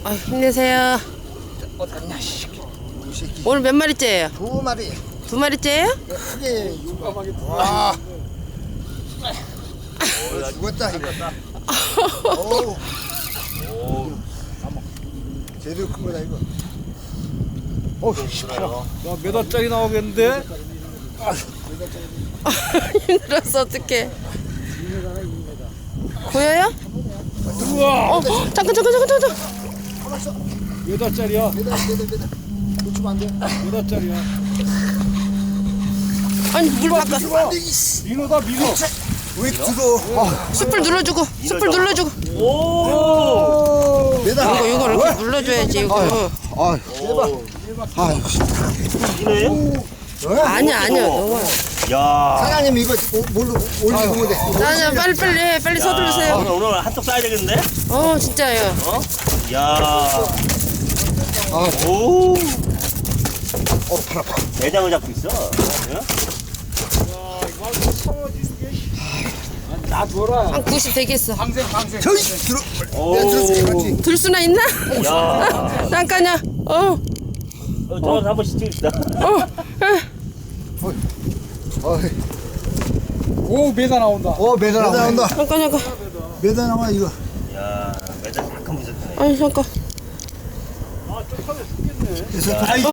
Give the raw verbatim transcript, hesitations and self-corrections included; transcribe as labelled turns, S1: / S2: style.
S1: 아, 힘내세요.
S2: 어딨냐, 씨. 이 새끼.
S1: 오늘 몇 마리째예요?
S2: 두 마리.
S1: 두 마리째예요?
S2: 크게 용감하게. 와. 어, 죽었다, 이거. 어우. 오. 제대로 큰 거다, 이거. 어우, 시끄러.
S3: 야, 몇 원짜리 나오겠는데?
S1: 힘들었어, 어떡해. 보여요?
S3: 우와!
S1: 어, 잠깐, 잠깐, 잠깐, 잠깐.
S3: 몇 원짜리야?
S2: 매달, 매달, 매달. 놓치면 안 돼.
S3: 몇 원짜리야?
S1: 아니, 물 바꿔.
S2: 놓치면 안 돼, 이씨.
S3: 민호다, 민호!
S2: 왜 들어? 아,
S1: 숯불 눌러주고, 숯불 눌러주고.
S3: 오!
S2: 매달.
S1: 이거, 이거 이렇게 눌러줘야지, 이거.
S2: 아, 대박. 아,
S4: 이거예요?
S1: 아니야, 아니야, 너무.
S4: 야.
S2: 사장님 이거 오- 뭘로 올리는 돼?
S1: 아니야, 빨리, 빨리 해. 빨리 서두르세요.
S4: 오늘 오늘 한턱 쏴야 되겠는데?
S1: 어, 진짜요.
S4: 어? 야.
S2: 아,
S4: 오.
S2: 어, 팔 아파.
S4: 대장을 잡고 있어. 응?
S3: 나 줘라.
S1: 한 구십 되겠어.
S3: 방생, 방생.
S2: 저기 들어.
S4: 오.
S2: 내가 들었어, 같이.
S1: 들 수나 있나?
S4: 야.
S1: 잠깐요. 어,
S4: 어, 저한테 한 번씩 찍읍시다.
S1: 어.
S2: 어,
S3: 오, 메다 나온다.
S2: 어, 매달 나온다.
S1: 잠깐, 잠깐.
S2: 매달 나와 이거.
S4: 야. 매달 잠깐 무섭네.
S1: 아니, 잠깐.
S3: 아, 좀 타면 죽겠네.
S2: 그래서